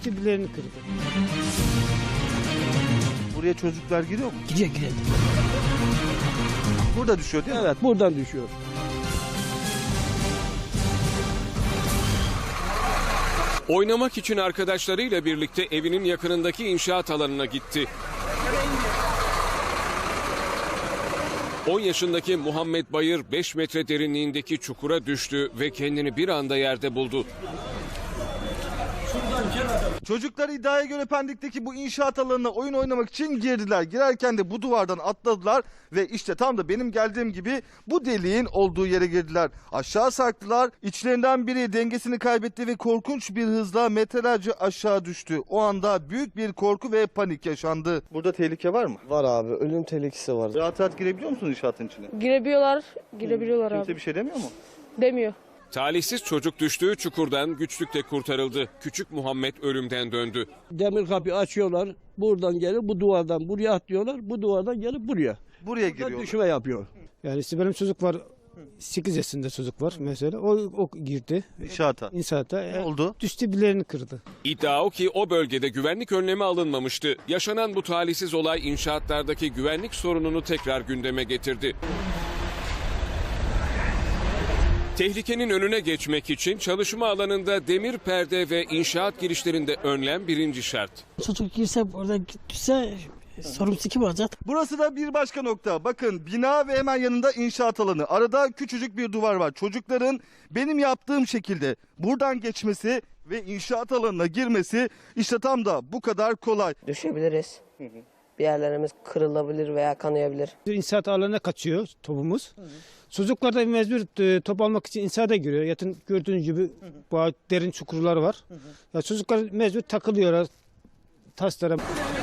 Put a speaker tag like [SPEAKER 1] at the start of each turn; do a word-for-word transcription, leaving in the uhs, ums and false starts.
[SPEAKER 1] düştü, bileğini kırdı.
[SPEAKER 2] Buraya çocuklar giriyor mu?
[SPEAKER 1] Giriyor giriyor.
[SPEAKER 2] Burada düşüyor değil mi?
[SPEAKER 1] Evet, buradan düşüyor.
[SPEAKER 3] Oynamak için arkadaşlarıyla birlikte evinin yakınındaki inşaat alanına gitti. on yaşındaki Muhammed Bayır beş metre derinliğindeki çukura düştü ve kendini bir anda yerde buldu.
[SPEAKER 2] Çocuklar iddiaya göre Pendik'teki bu inşaat alanına oyun oynamak için girdiler. Girerken de bu duvardan atladılar ve işte tam da benim geldiğim gibi bu deliğin olduğu yere girdiler. Aşağı sarktılar. İçlerinden biri dengesini kaybetti ve korkunç bir hızla metrelerce aşağı düştü. O anda büyük bir korku ve panik yaşandı. Burada tehlike var mı?
[SPEAKER 4] Var abi, ölüm tehlikesi var.
[SPEAKER 2] Rahat rahat girebiliyor musun inşaatın içine?
[SPEAKER 5] Girebiliyorlar, girebiliyorlar
[SPEAKER 2] Kimse
[SPEAKER 5] abi.
[SPEAKER 2] bir şey demiyor mu?
[SPEAKER 5] Demiyor.
[SPEAKER 3] Talihsiz çocuk düştüğü çukurdan güçlükle kurtarıldı. Küçük Muhammed ölümden döndü.
[SPEAKER 1] Demir kapıyı açıyorlar. Buradan gelip bu duvardan buraya atlıyorlar. Bu duvardan gelip buraya.
[SPEAKER 2] Buraya
[SPEAKER 1] Buradan
[SPEAKER 2] giriyor.
[SPEAKER 1] düşme yapıyor.
[SPEAKER 6] Yani işte benim çocuk var, sekiz yaşında çocuk var mesela. O, o girdi
[SPEAKER 2] İnşaata.
[SPEAKER 6] inşaata.
[SPEAKER 2] Ne oldu?
[SPEAKER 6] Düştü, bileğini kırdı.
[SPEAKER 3] İddia o ki o bölgede güvenlik önlemi alınmamıştı. Yaşanan bu talihsiz olay inşaatlardaki güvenlik sorununu tekrar gündeme getirdi. Tehlikenin önüne geçmek için çalışma alanında demir perde ve inşaat girişlerinde önlem birinci şart.
[SPEAKER 7] Çocuk girse orada düşse sorumlusu kim olacak?
[SPEAKER 2] Burası da bir başka nokta. Bakın bina ve hemen yanında inşaat alanı. Arada küçücük bir duvar var. Çocukların benim yaptığım şekilde buradan geçmesi ve inşaat alanına girmesi işte tam da bu kadar kolay.
[SPEAKER 8] Düşebiliriz. Bir yerlerimiz kırılabilir veya kanayabilir.
[SPEAKER 6] İnşaat alanına kaçıyor topumuz. Çocuklar da mecbur e, top almak için inşaata giriyor. Yatın gördüğünüz gibi bu derin çukurlar var. Ya çocuklar mecbur takılıyorlar taşlara.